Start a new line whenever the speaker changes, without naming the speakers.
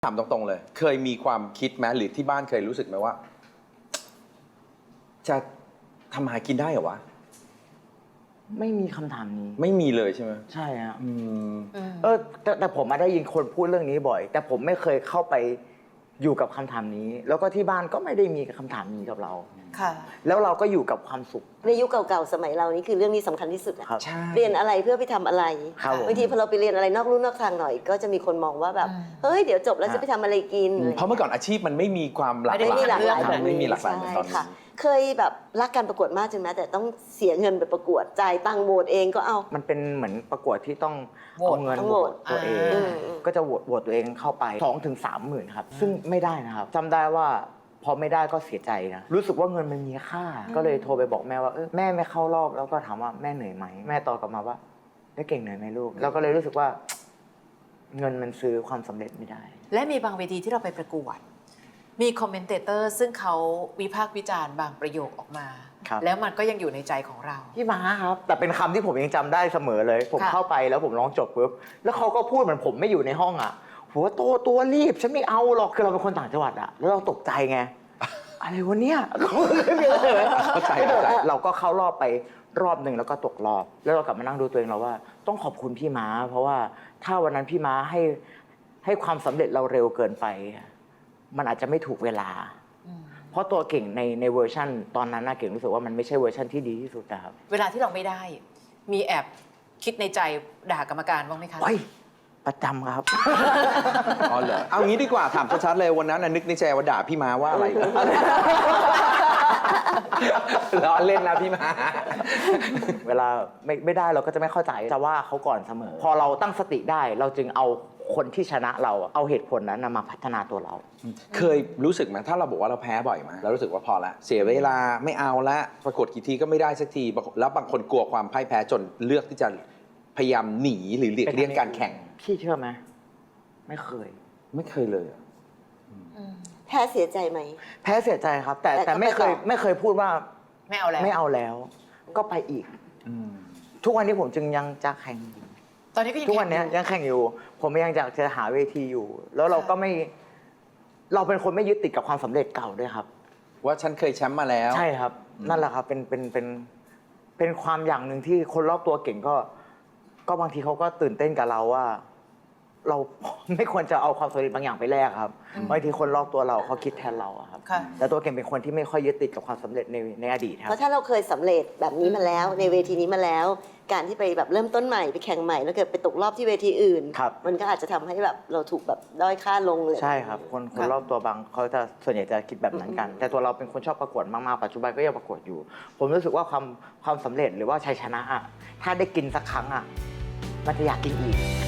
ถามตรงๆเลยเคยมีความคิดไหมหรือที่บ้านเคยรู้สึกไหมว่าจะทำหากินได้เหรอวะ
ไม่มีคำถามนี้
ไม่มีเลยใช่ไหม
ใช่ฮะ
แต่
ผมมาได้ยินคนพูดเรื่องนี้บ่อย แต่ผมไม่เคยเข้าไปอยู่กับคำถามนี้ แล้วก็ที่บ้านก็ไม่ได้มีคำถามนี้กับเรา
ค่ะ
แล้วเราก็อยู่กับความสุข
ในยุคเก่าๆสมัยเรานี่คือเรื่องนี้สำคัญที่สุด
ครับ
เรียนอะไรเพื่อไปทำอะไร
บ
างทีพอเราไปเรียนอะไรนอกลู่นอกทางหน่อย ก็จะมีคนมองว่าแบบเฮ้ยเดี๋ยวจบแล้วจะไปทำอะไรกิน
เพราะเมื่อก่อนอาชีพมันไม่มีความหลากหลาย
ไม่มีหลากหลายแบบ
ไม่มี
นี้
หลากหลายเหมือนตอนนี้
เคยแบบรักการประกวดมากจนแม้แต่ต้องเสียเงินไปประกวดจ่ายตังค์โหวตเองก็เอา
มันเป็นเหมือนประกวดที่ต้อง
โหวต
เอาเงิน
ต้อง
โห
โห
ว
ว
ต
ต
ตัวเองก็จะโหวตตัวเองเข้าไป2 ถึง 3 หมื่นครับซึ่งไม่ได้นะครับจำได้ว่าพอไม่ได้ก็เสียใจนะรู้สึกว่าเงินมันมีค่าก็เลยโทรไปบอกแม่ว่าแม่ไม่เข้ารอบแล้วก็ถามว่าแม่เหนื่อยไหมแม่ตอบกลับมาว่าได้เก่งเหนื่อยไหมลูกแล้วก็เลยรู้สึกว่าเงินมันซื้อความสำเร็จไม่ได้
และมีบางเวทีที่เราไปประกวดมีคอมเมนเตเตอร์ซึ่งเขาวิพากษ์วิจารณ์บางประโยคออกมาแล้วมันก็ยังอยู่ในใจของเรา
พี่ม้าครับแต่เป็นคำที่ผมยังจำได้เสมอเลยผมเข้าไปแล้วผมร้องจบปุ๊บแล้วเขาก็พูดเหมือนผมไม่อยู่ในห้องอ่ะหัวโตตัวรีบฉันไม่เอาหรอกคือเราเป็นคนต่างจังหวัดอ่ะแล้วเราตกใจไงอะไรวะเนี่ย
เข้าใจ
เราก็เข้ารอบไปรอบหนึ่งแล้วก็ตกรอบแล้วเรากลับมานั่งดูตัวเองเราว่าต้องขอบคุณพี่ม้าเพราะว่าถ้าวันนั้นพี่ม้าให้ความสำเร็จเราเร็วเกินไปมันอาจจะไม่ถูกเวลาเพราะตัวเก่งในเวอร์ชั่นตอนนั้นน่ะเก่งรู้สึกว่ามันไม่ใช่เวอร์ชั่นที่ดีที่สุดนะครับ
เวลาที่เราไม่ได้มีแอบคิดในใจด่ากรรมการบ้างไหมคะ
ประจำครับ
อ๋อเหรอเอางี้ดีกว่าถามชัดๆเลยวันนั้นนึกในใจว่าด่าพี่ม้าว่าอะไรล้อเล่นนะพี่ม้า
เวลาไม่ได้เราก็จะไม่เข้าใจจะว่าเขาก่อนเสมอพอเราตั้งสติได้เราจึงเอาคนที่ชนะเราเอาเหตุผลนั้นมาพัฒนาตัวเรา
เคยรู้สึกไหมถ้าเราบอกว่าเราแพ้บ่อยไหมเรารู้สึกว่าพอละเสียเวลาไม่เอาละประกวดกี่ทีก็ไม่ได้สักทีแล้วบางคนกลัวความพ่ายแพ้จนเลือกที่จะพยายามหนีหรือหลีกเลี่ยงการแข่ง
พี่เชื่อไหมไม่เคย
เลย
แพ้เสียใจไหม
แพ้เสียใจครับแต่ไม่เคยพูดว่า
ไม่เอา
แล้วก็ไปอีกทุกวันนี้ผมจึงยังจะแข่ง
ตอนนี้ก็ยัง
ทุกวันนี้ยังแข่งอยู่ผมยังอยากจะหาเวทีอยู่แล้วเราก็ไม่เราเป็นคนไม่ยึดติดกับความสำเร็จเก่าด้วยครับ
ว่าฉันเคยแชมป์มาแล้ว
ใช่ครับนั่นแหละครับเป็นความอย่างหนึ่งที่คนรอบตัวเก่งก็บางทีเขาก็ตื่นเต้นกับเราว่าเราไม่ควรจะเอาความสำเร็จบางอย่างไปแลกครับบางทีคนรอบตัวเราเขาคิดแทนเราครับแต่ตัวเก่งเป็นคนที่ไม่ค่อยยึดติดกับความสำเร็จในอดีตครับ
เพราะถ้าเราเคยสำเร็จแบบนี้มาแล้วในเวทีนี้มาแล้วการที่ไปแบบเริ่มต้นใหม่ไปแข่งใหม่แล้วเกิดไปตกรอบที่เวทีอื่นมันก็อาจจะทำให้แบบเราถูกแบบด้อยค่าลงเลย
ใช่ครับคนรอบตัวบางเขาจะส่วนใหญ่จะคิดแบบนั้นกันแต่ตัวเราเป็นคนชอบประกวดมากๆปัจจุบันก็ยังประกวดอยู่ผมรู้สึกว่าความสำเร็จหรือว่าชัยชนะถ้าได้กินสักครั้งมันจะอยากกินอีก